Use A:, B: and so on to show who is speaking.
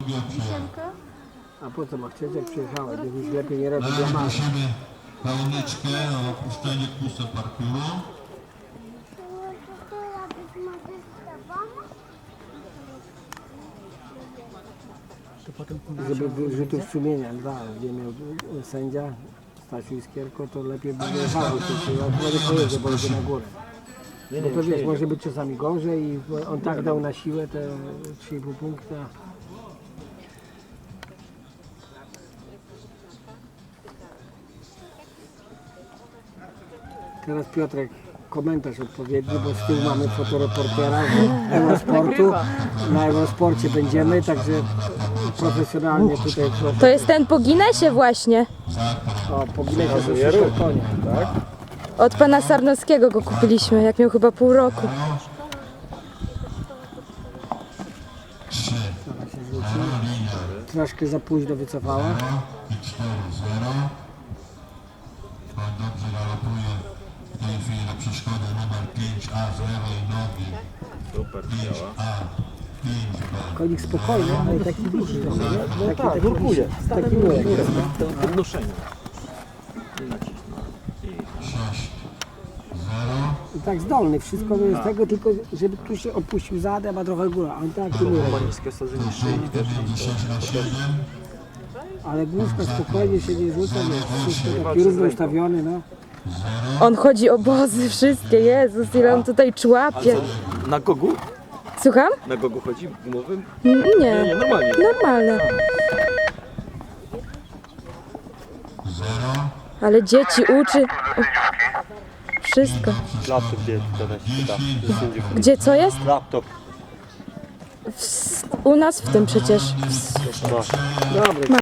A: A po co ma chcieć, jak przyjechałeś? Gdybyś lepiej nie robił dla mamy.
B: Prosimy Pauniczkę o opuszczenie kusa parkuru.
A: To potem, żeby wyrzutów sumienia dwa, gdzie miał sędzia Stasiu Iskierko, to lepiej by wyjechało. Ja nie pojedzie, bo idzie na górę. Bo to wiesz, może być czasami gorzej i on tak dał na siłę te 3,5 punkta. Teraz Piotrek, komentarz odpowiedni, bo z tyłu mamy fotoreportera z Eurosportu. Na Eurosporcie będziemy, także profesjonalnie tutaj
C: To jest ten po Guinnessie właśnie.
A: po bilecie ze super konia. Tak?
C: Od pana Sarnowskiego go kupiliśmy, jak miał chyba pół roku.
A: Troszkę za późno wycofała.
B: I 4-0. Koń dobrze galopuje w tej chwili na przeszkodę numer 5A z lewej nogi.
D: Super, działa.
B: 5B.
A: Konik spokojny, ale taki duży trochę, nie?
D: No tak, nurkuje.
A: Taki nurek.
D: To podnoszenie.
B: 6-0.
A: I tak zdolny, wszystko jest tego, tylko żeby tu się opuścił zadem, a trochę góra. On taki nurek.
D: Ma niskie osadzenie szyi, wiesz,
B: Między 6-7.
A: Ale główka spokojnie się nie rzuca, wiesz, wszystko taki równo ustawiony, no.
C: On chodzi obozy wszystkie, Jezus, ile on tutaj człapie.
D: Na gogu?
C: Słucham?
D: Na gogu chodzi gumowym?
C: Nie,
D: Nie, normalnie.
C: normalne. Ale dzieci uczy. O, wszystko.
D: Laptop gdzie teraz czyta?
C: Gdzie co jest?
D: Laptop.
C: U nas w tym przecież.
A: Dobry.